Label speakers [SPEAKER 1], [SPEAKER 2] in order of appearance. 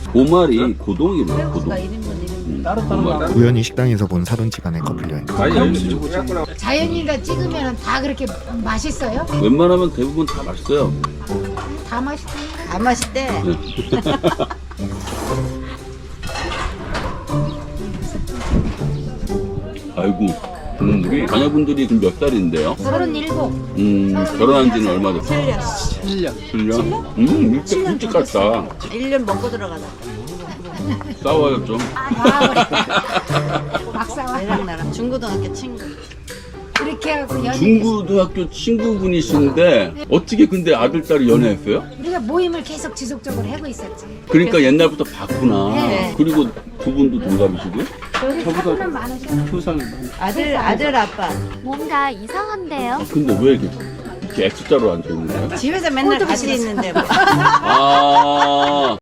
[SPEAKER 1] 5마리 고동이네, 고동.
[SPEAKER 2] 우연히 식당에서 본 사돈지간의 커플 여행.
[SPEAKER 3] 자연인가 찍으면 다 그렇게 맛있어요?
[SPEAKER 1] 웬만하면 대부분 다 맛있어요.
[SPEAKER 3] 다 맛있대.
[SPEAKER 4] 안 맛있대.
[SPEAKER 1] 아이고, 우리 자녀분들이 그럼 몇 살인데요?
[SPEAKER 3] 37.
[SPEAKER 1] 결혼한 지는 얼마 됐어요?
[SPEAKER 4] 7년.
[SPEAKER 1] 7년? 일찍 갔다.
[SPEAKER 4] 1년 먹고 들어가다.
[SPEAKER 1] 싸워요, 좀.
[SPEAKER 3] 막사와.
[SPEAKER 4] 얘랑 나랑 중고등학교 친구.
[SPEAKER 3] 이렇게 하고 연애.
[SPEAKER 1] 중고등학교 친구분이신데 어떻게 근데 아들, 딸이 연애했어요?
[SPEAKER 3] 우리가 모임을 계속 지속적으로 하고 있었지.
[SPEAKER 1] 그러니까 옛날부터 봤구나.
[SPEAKER 3] 네.
[SPEAKER 1] 그리고 두 분도 동갑이시고요?
[SPEAKER 3] 여기 사고는 많으셔.
[SPEAKER 4] 아들 아빠.
[SPEAKER 5] 뭔가 이상한데요?
[SPEAKER 1] 근데 왜 이렇게 X자로 앉아있는 거예요?
[SPEAKER 4] 집에서 맨날 같이 있는데 뭐.
[SPEAKER 1] 아.